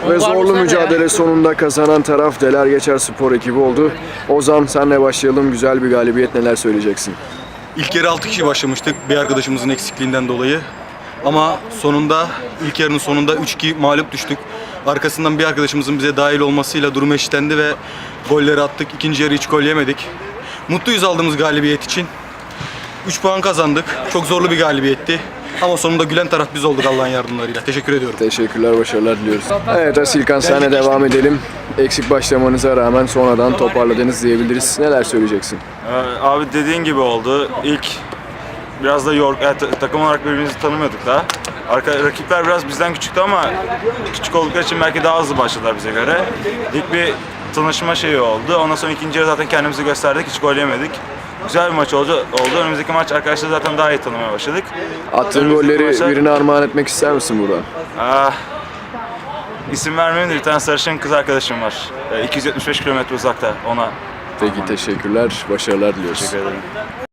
Ve zorlu mücadele sonunda kazanan taraf Deler Geçer Spor ekibi oldu. Ozan, senle başlayalım. Güzel bir galibiyet, neler söyleyeceksin? İlk yarı 6 kişi başlamıştık bir arkadaşımızın eksikliğinden dolayı. Ama sonunda, ilk yarının sonunda 3-2 mağlup düştük. Arkasından bir arkadaşımızın bize dahil olmasıyla durum eşitlendi ve golleri attık. İkinci yarı hiç gol yemedik. Mutluyuz aldığımız galibiyet için. 3 puan kazandık. Çok zorlu bir galibiyetti. Ama sonunda gülen taraf biz olduk Allah'ın yardımlarıyla. Teşekkür ediyorum. Teşekkürler, başarılar diliyoruz. Evet Asilkan, senle devam edelim. Eksik başlamanıza rağmen sonradan toparladınız diyebiliriz. Neler söyleyeceksin? Abi dediğin gibi oldu. İlk biraz da takım olarak birbirimizi tanımıyorduk daha. Rakipler biraz bizden küçüktü ama küçük oldukları için belki daha hızlı başladılar bize göre. İlk bir tanışma şeyi oldu. Ondan sonra ikinci yarı zaten kendimizi gösterdik. Hiç gol yemedik. Güzel bir maç oldu. Önümüzdeki maç arkadaşlar zaten daha iyi tanımaya başladık. Attığın golleri birine armağan etmek ister misin burada? İsim vermeyeyim de bir tane sarışın kız arkadaşım var. 275 kilometre uzakta ona. Peki, teşekkürler, başarılar diliyoruz. Teşekkür ederim.